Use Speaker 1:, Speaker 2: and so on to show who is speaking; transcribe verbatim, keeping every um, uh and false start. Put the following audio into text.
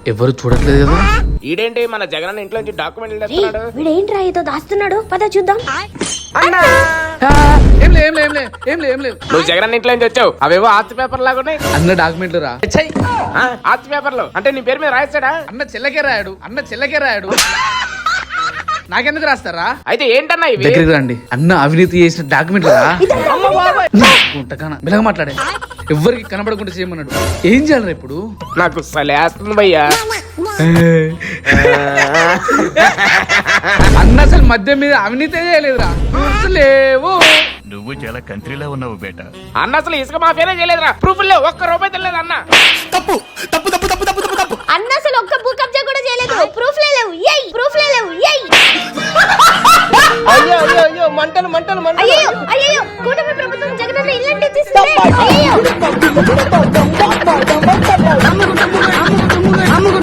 Speaker 1: ఎవరు చూడట్లేదు కదా.
Speaker 2: ఈడేంటి మన జగన్ ఇంట్లో నుంచి డాక్యుమెంట్లు తెస్తున్నాడు?
Speaker 3: వీడేంట్రా ఏదో దాస్తున్నాడు, పద చూద్దాం.
Speaker 2: అన్నా
Speaker 1: ఆ, ఏం లే ఏం లే ఏం లే ఏం లే ఏం లేదు.
Speaker 2: నువ్వు జగన్ ఇంట్లో నుంచి వచ్చావు, అవేవో ఆస్తి పేపర్ లాగా ఉన్నాయి.
Speaker 1: అన్న డాక్యుమెంట్లు రా. ఛై!
Speaker 2: ఆ, ఆస్తి పేపర్లు అంటే నీ పేరు మీద రాయిస్తాడా?
Speaker 1: అన్న చెల్లకే రాయాడు, అన్న చెల్లకే రాయాడు. నాకెందుకు రాస్తారా?
Speaker 2: అయితే ఏంటన్నా ఇవి?
Speaker 1: దగ్గరికి రండి. అన్న అవినీతి చేసిన డాక్యుమెంట్లు రా. ఉంటకానా మెల్లగా మాట్లాడే. ఎవ్వరికి కనబడకుండా చేయమన్నాడు. ఏం చేయాలరా ఇప్పుడు?
Speaker 2: నాకు సలేస్తుంది భయ్యా.
Speaker 1: అన్న అసలు మద్యం మీద అవినీతి చేయలేదురా. లేవు.
Speaker 4: నువ్వు చాలా కంట్రీలో ఉన్నావు బేట.
Speaker 2: అన్న అసలు ఇసుక మాఫియానే చేయలేదురా. ప్రూఫ్ లేవు, ఒక్క రూపాయి తెలియదు అన్న.
Speaker 4: తప్పు తప్పు తప్పు తప్పు తప్పు తప్పు తప్పు
Speaker 3: అన్న అసలు ఒక్క భూ కబ్జా కూడా చేయలేదు. ప్రూఫ్ లేవు, ఏయ్ ప్రూఫ్ లేవు, ఏయ్.
Speaker 2: అయ్యో అయ్యో అయ్యో మంటలు మంటలు మంటలు.
Speaker 3: అయ్యో అయ్యో కూటమి ప్రభుత్వం జగనన్న ఇల్లంటే తీసుకుంది. అయ్యో